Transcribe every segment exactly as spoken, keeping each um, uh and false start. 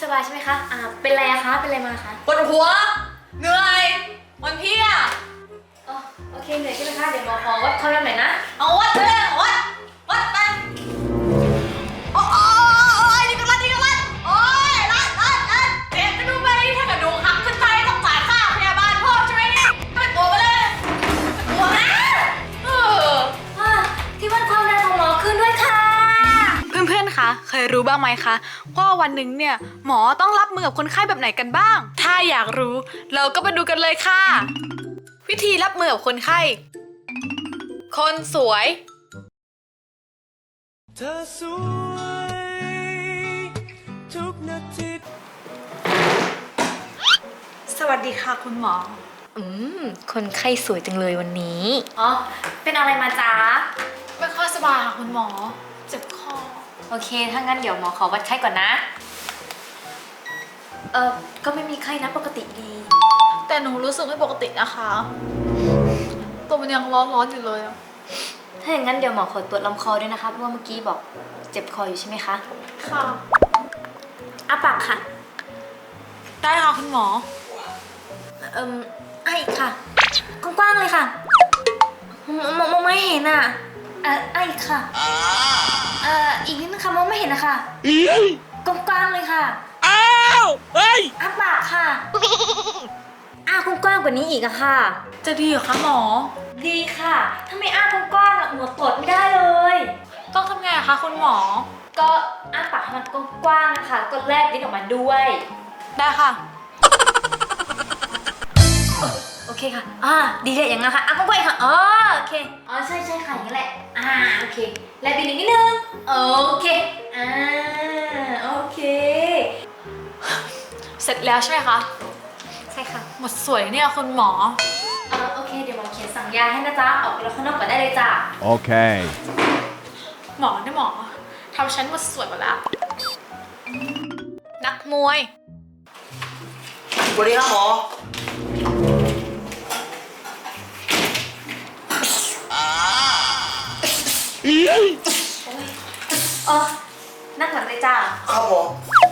บายใช่ไหมคะอ่าเป็นไรอะคะเป็นไรมาคะปวดหัวเหนื่อยวันเพียอ๋อโอเคเหนื่อยใช่ไหมคะเดี๋ยวหมอขอวัดความดันหน่อยนะเอาวัดเลยวัดวัดไปโอ้โอ้โอ้ยนี่ก็รัดนี่ก็รัดโอ้ยรัดรัดรัดเจ็บกระดูกไปถ้ากระดูกหักขึ้นไปต้องจ่ายค่าพยาบาลเพิ่มใช่ไหมเนี่ยเป็นตัวไปเลยเป็นตัวนะเออที่วัดความดันของหมอขึ้นด้วยค่ะเพื่อนๆ คะ เคยรู้บ้างไหมคะว่าวันหนึ่งเนี่ยหมอต้องรับมือกับคนไข้แบบไหนกันบ้าง ถ้าอยากรู้เราก็ไปดูกันเลยค่ะ วิธีรับมือกับคนไข้ คนสวยเธอสวยทุกนาทีสวัสดีค่ะคุณหมออืมคนไข้สวยจังเลยวันนี้อ๋อเป็นอะไรมาจ๊ะไม่ค่อยสบายค่ะคุณหมอเจ็บคอโอเคถ้างั้นเดี๋ยวหมอขอวัดไข้ก่อนนะเออก็ไม่มีไข้นะปกติดีแต่หนูรู้สึกไม่ปกตินะคะตัวมันยังร้อนๆอยู่เลยถ้าอย่างนั้นเดี๋ยวหมอขอตรวจลำคอด้วยนะคะเพราะว่าเมื่อกี้บอกเจ็บคออยู่ใช่ไหมคะค่ะอ้าปากค่ะได้ค่ะคุณหมอเอ่มไอ้ค่ะกว้างๆเลยค่ะมองมองไม่เห็นอ่ะเออไอ้ค่ะเอ่ออีกนิดนึงค่ะมองไม่เห็นนะคะกว้างๆเลยค่ะอ้าวเฮ้ยอ้าปากค่ะอ้ากว้างๆกว่านี้อีกอะค่ะจะดีเหรอคะหมอดีค่ะถ้าไม่อ้ากว้างๆหมอตรวจไม่ได้เลยต้องทำไงอะคะคุณหมอก็อ้าปากให้มันกว้างๆนะคะก็แลบลิ้นออกมาด้วยได้ค่ะโอเคค่ะอ่าดีเลยอย่างงั้นค่ะอ่ะกว้างๆค่ะอ๋อโอเคอ๋อใช่ใช่ค่ะอย่างนั้นแหละอ่าโอเคแลบลิ้นนิดนึงโอเคอ่าโอเคเสร็จแล้วใช่ไหมคะใช่ค่ะหมดสวยเนี่ยคุณหมอเออโอเคเดี๋ยวหมอเขียนสั่งยาให้นะจ๊ะออกไปรอข้างนอกก่อนได้เลยจ้ะโอเคหมอเนี่ยหมอทำฉันหมดสวยหมดแล้วนักมวยสวัสดีครับหมอเออนั่งหลังเลยจ้ะครับหมอ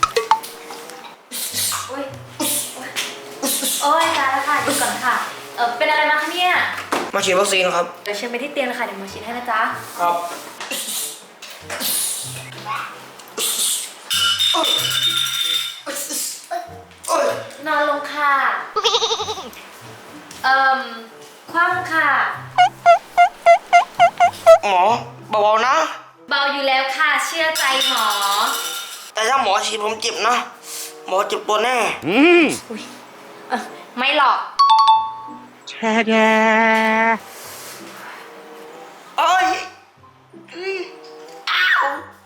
โอ้ยโอ้ยตายแล้วค่ะหยุดก่อนค่ะเออเป็นอะไรมาคะเนี่ยมาฉีดวัคซีนครับเดี๋ยวเชิญไปที่เตียงเลยค่ะเดี๋ยวหมอฉีดให้นะจ๊ะครับนอนลงค่ะเอ่มคว่ำค่ะหมอเบาๆนะเบาอยู่แล้วค่ะเชื่อใจหมอแต่ถ้าหมอฉีดผมเจ็บนะหมอเจ็บตัวแน่อืมเออไม่หรอกแช่แดเอ้ยอ้าว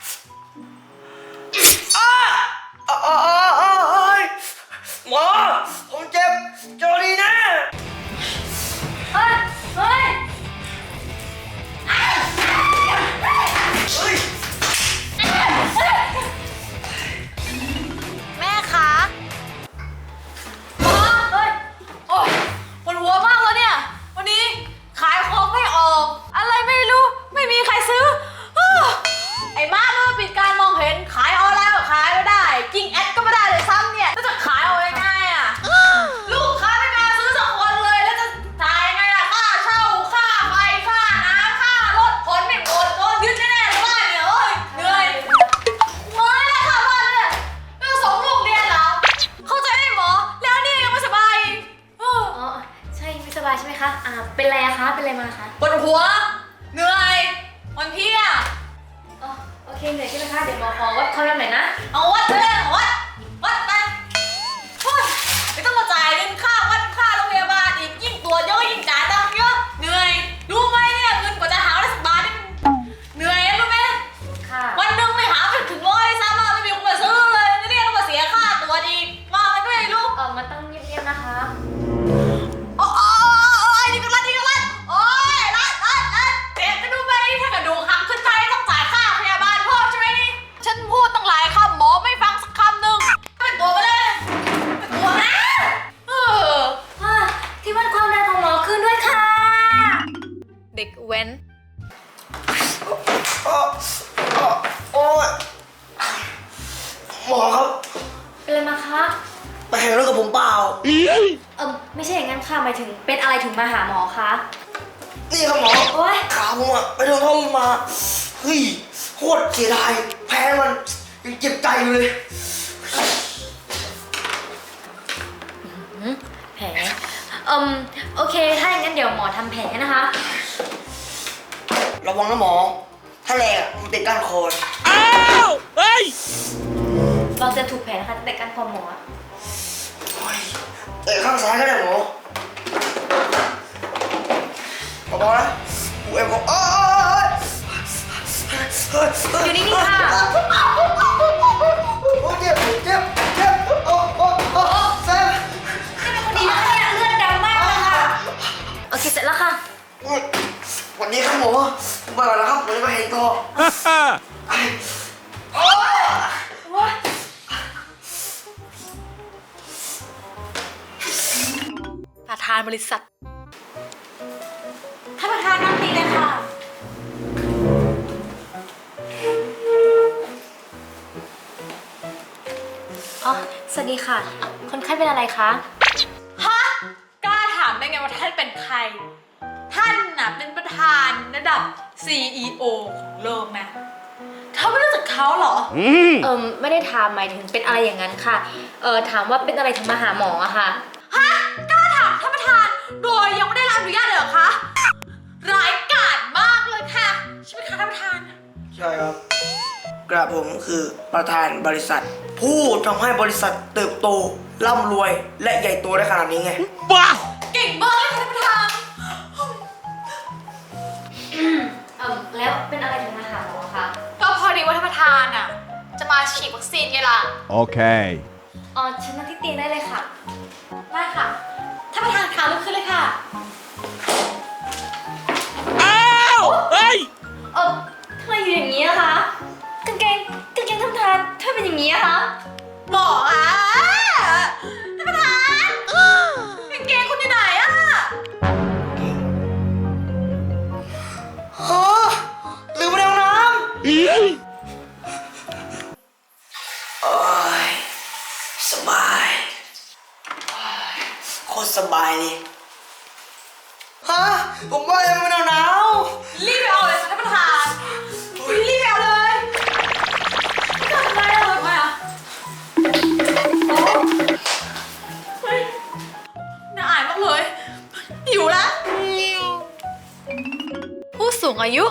อ้าอ้าวอ้าวอ้าวหมอผมเจ็บเจอดีนะเฮ้ยเฮ้ยแม่คะหมอเฮ้ยโอ้ยปวดหัวมากเลยเนี่ยวันนี้ขายของไม่ออกอะไรไม่รู้ไม่มีใครซื้อไอ้มาเนี่ยปิดการมองเห็นขายออนไลน์ก็ขายไม่ได้กิ้งแอดก็ไม่ได้เลยซ้ำเนี่ยแล้วจะขายเอายังไงอะลูกค้าไม่มาซื้อสักคนเลยแล้วจะจ่ายยังไงล่ะค่าเช่าค่าไฟค่าน้ำค่ารถขนไม่หมดโดนยึดแน่ๆเลยว่าเนี่ยเอ้ยเหนื่อยเมื่อยแล้วค่ะบ้านเนี่ยไม่ต้องส่งลูกเรียนเหรอเข้าใจไหมหมอแล้วนี่ยังไม่สบายอ๋อใช่ไม่สบายใช่ไหมคะอ่าเป็นไรอะคะเป็นไรมาคะปวดหัวเหนื่อยวันเพียอ๋อโอเคเหนื่อยใช่ไหมคะเดี๋ยวหมอขอวัดความดันหน่อยนะเอาวัดเลยวัดวัดไปโอ้ยไม่ต้องมาจ่ายเงินค่าวัดค่าโรงพยาบาลอีกยิ่งตัวเยอะยิ่งจ่ายตังค์เยอะเหนื่อยรู้ไหมเนี่ยเงินกว่าจะหาได้สักบาทนี่เหนื่อยรู้ไหมค่ะวันหนึ่งไม่หาถึงร้อยซ้ำอ่ะไม่มีคนมาซื้อเลยนี่ต้องมาเสียค่าตัวอีกมาอะไรก็ไม่รู้เออมันต้องเงียบๆนะคะโอ้ยนี่ก็รัดนี่ก็รัดโอ้ยรัดรัดรัดเจ็บกระดูกไปถ้ากระดูกหักขึ้นไปต้องจ่ายค่าพยาบาลเพิ่มใช่ไหมนี่ฉันพูดตั้งหลายคำหมอไม่ฟังสักคำหนึ่งเป็นตัวไปเลยเป็นตัวนะเออที่วัดความดันของหมอขึ้นด้วยค่ะเด็กเว้นโอ้ยหมอครับเป็นอะไรมาคะไปแข่งรถกับผมเปล่าเออไม่ใช่อย่างนั้นค่ะหมายถึงเป็นอะไรถึงมาหาหมอคะนี่ครับหมอโอ๊ยขาผมอะไปโดนท่อมมา เฮ้ยโคตรเสียดายแพ้มันยังเจ็บใจอยู่เลยแผลเอืมโอเคถ้าอย่างนั้นเดี๋ยวหมอทำแผลนะคะระวังนะหมอ ถ้าแรงอะมันติดก้านคออ้าวเฮ้ยเราจะถูกแผลนะคะแต่การคอหมอโอ้ยเตะข้างซ้ายก็ได้หมอบอกนะกูเอ็มบอกเอ้ยอยู่นิ่งๆค่ะโอ้เจ็บเจ็บเจ็บโอ้โอ้โอ้แซมคนดีนะคะเนี่ยเลือดดำมากเลยค่ะโอเคเสร็จแล้วค่ะวันนี้ครับหมอผมไปก่อนนะครับผมจะไปเห็นต่อฮ่าฮ่าโอ้ยประธานบริษัทท่านประธานนั่งดีเลยค่ะอ๋อ สวัสดีค่ะ คนไข้เป็นอะไรคะฮะ กล้าถามได้ไงว่าท่านเป็นใคร ท่านน่ะเป็นประธานระดับ ซี อี โอ ของโลกนะเธอไม่รู้จักเขาเหรออืมเอิมไม่ได้ถามหมายถึงเป็นอะไรอย่างนั้นค่ะ เออถามว่าเป็นอะไรถึงมาหาหมออะค่ะฮะ กล้าถามท่านประธานโดยยังไม่ได้รับอนุญาตเลยเหรอคะ ร้ายกาจมากเลยค่ะใช่ไหมคะท่านประธานใช่ครับ กระผมคือประธานบริษัท ผู้ทำให้บริษัทเติบโตร่ำรวยและใหญ่โตได้ขนาดนี้ไงบ้าเก่งมากเลยค่ะท่านประธานเอิมแล้วเป็นอะไรถึงมาหาหมอคะก็พอดีว่าท่านประธานอ่ะ จะมาฉีดวัคซีนไงล่ะ Okay. อ๋อฉันนั่งที่เตียงได้เลยค่ะได้ค่ะ ท่านประธานขาลุกขึ้นเลยค่ะอ้าวเฮ้ยเออทำไมอยู่อย่างนี้อะคะ กางเกงกางเกงท่านประธานทำไมเป็นอย่างนี้อะคะหมออ่ะท่านประธานกางเกงคุณอยู่ไหนอ่ะฮะลืมไปในห้องน้ำโอ้ยสบายโอ้ยโคตรสบายเลยฮะผมว่ายังไม่หนาวหนาวรีบไปเอาเลยท่านประธานรีบไปเอาเลยทำไมอะทำไมอะโอ้เฮ้ยน่าอายมากเลยหิวแล้วผู้สูงอายุ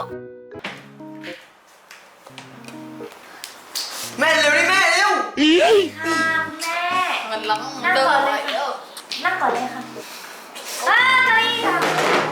แม่เร็วดิแม่เร็วค่ะคุณแม่มันล้นั่งเดินก่อนไปเลยแล้ค่ะวนั่งก่อนเลยค่ะอ่าเก้าอี้ค่ะ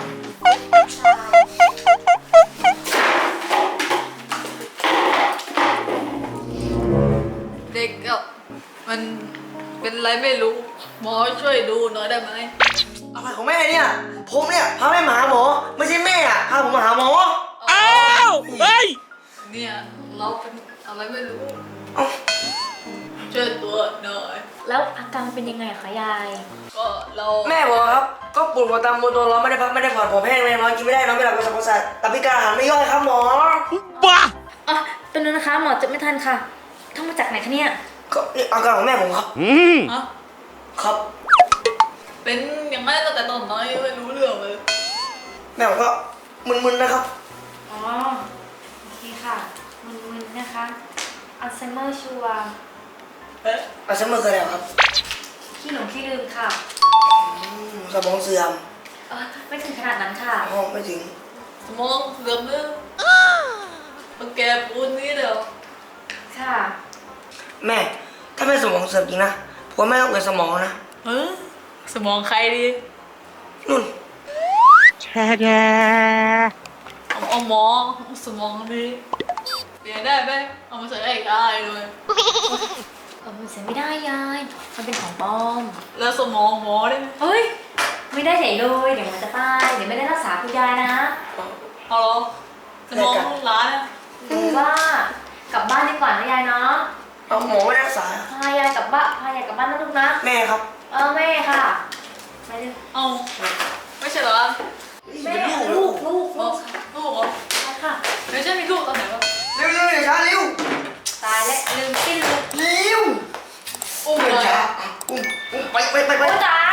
เด็กก็มันเป็นอะไรไม่รู้ หมอช่วยดูหน่อยได้ไหมอะไรของแม่เนี่ย ผมเนี่ยพาแม่มาหาหมอ ไม่ใช่แม่อะพาผมมาหาหมออ้าวเฮ้ยเนี่ยเราเป็นอะไรไม่รู้เอ้าช่วยตัวหน่อยแล้วอาการเป็นยังไงอะคะยายก็เราแม่บอกครับ ก็ปวดหัวตามตัวร้อนไม่ได้พักไม่ได้ผ่อนผมแห้งไม่นอนกินไม่ได้นอนไม่หลับกระสับกระส่ายตับพิการอาหารไม่ย่อยครับหมอบ้าอ๋อตัวนึงนะคะหมอจะไม่ทันค่ะท่องมาจากไหนคะเนี่ยก็นี่อาการของแม่ผมครับอืมฮะครับเป็นอย่างนั้นตั้งแต่ตอนไหนไม่รู้เรื่องเลยแม่ผมก็มึนๆนะครับอ๋อโอเคค่ะมึนๆนะคะอัลไซเมอร์ชัวร์เอ๊ะอัลไซเมอร์คืออะไรครับขี้หลงขี้ลืมค่ะอืมสมองเสื่อมเออไม่ถึงขนาดนั้นค่ะอ๋อไม่ถึงสมองเสื่อมเลยมันแกปูนนี้เดียวค่ะแม่ ถ้าแม่สมองเสื่อมจริงนะผมว่าแม่ต้องเกิดสมองนะเออสมองใครดีนุ่นแช่แช่เอาเอาหมอสมองดีเปลี่ยนได้ไหมเอามาใส่ได้อีกได้เลยเออมันเสียไม่ได้ยาย มันเป็นของปลอมแล้วสมองหมอได้ไหมเฮ้ย ไม่ได้เฉยเลยเดี๋ยวมันจะตาย เดี๋ยวไม่ได้รักษาคุณยายนะเอาเหรอสมองร้านอะหรือว่ากลับบ้านดีกว่านะยายเนาะเอาหมอไม่ได้รักษาพายายกลับบ้านพายายกลับบ้านนะลูกนะแม่ครับเออแม่ค่ะไปเลยเอาไม่ใช่เหรอแม่ลูกลูกลูลูกกลูกเหรอใช่ค่ะไม่ใช่มีลูกตอนไหนวะเร็วๆเดี๋ยวช้าเร็วตายแล้วลืมสิ้นเลยเร็วอุ้มเหรอไปไปไปไปโอ้ตาย